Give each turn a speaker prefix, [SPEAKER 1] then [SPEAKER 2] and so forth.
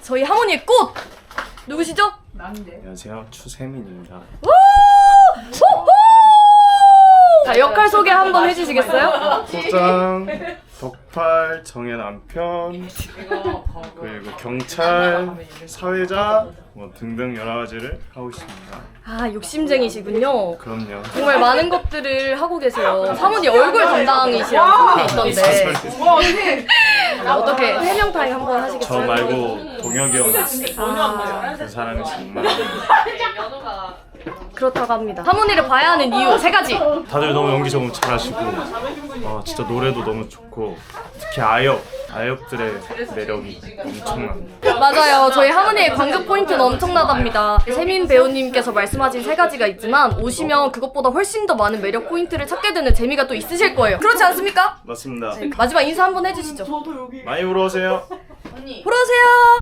[SPEAKER 1] 저희 하모니의 꽃! 누구시죠?
[SPEAKER 2] 안녕하세요, 추세민입니다.
[SPEAKER 1] 자, 역할 소개 한번 해주시겠어요?
[SPEAKER 2] 소장, 덕팔, 정의 남편, 그리고 경찰, 사회자 뭐 등등 여러 가지를 하고 있습니다.
[SPEAKER 1] 아, 욕심쟁이시군요.
[SPEAKER 2] 그럼요.
[SPEAKER 1] 정말 많은 것들을 하고 계세요. 사모님 얼굴 담당이시라는 소문이 있던데 어떻게 해명타임 한번
[SPEAKER 2] 저
[SPEAKER 1] 하시겠어요?
[SPEAKER 2] 말고 동혁이 형, 그 사람이 정말
[SPEAKER 1] 그렇다고 합니다. 사모님을 봐야 하는 이유 3가지.
[SPEAKER 2] 다들 너무 연기 너무 잘하시고 진짜 노래도 너무 좋고 특히 아역들의 매력이 엄청납니다.
[SPEAKER 1] 맞아요. 저희 하모니의 관극 포인트는 엄청나답니다. 세민 배우님께서 말씀하신 3가지가 있지만 오시면 그것보다 훨씬 더 많은 매력 포인트를 찾게 되는 재미가 또 있으실 거예요. 그렇지 않습니까?
[SPEAKER 2] 맞습니다.
[SPEAKER 1] 마지막 인사 한번 해주시죠.
[SPEAKER 2] 많이 보러 오세요.
[SPEAKER 1] 보러 오세요.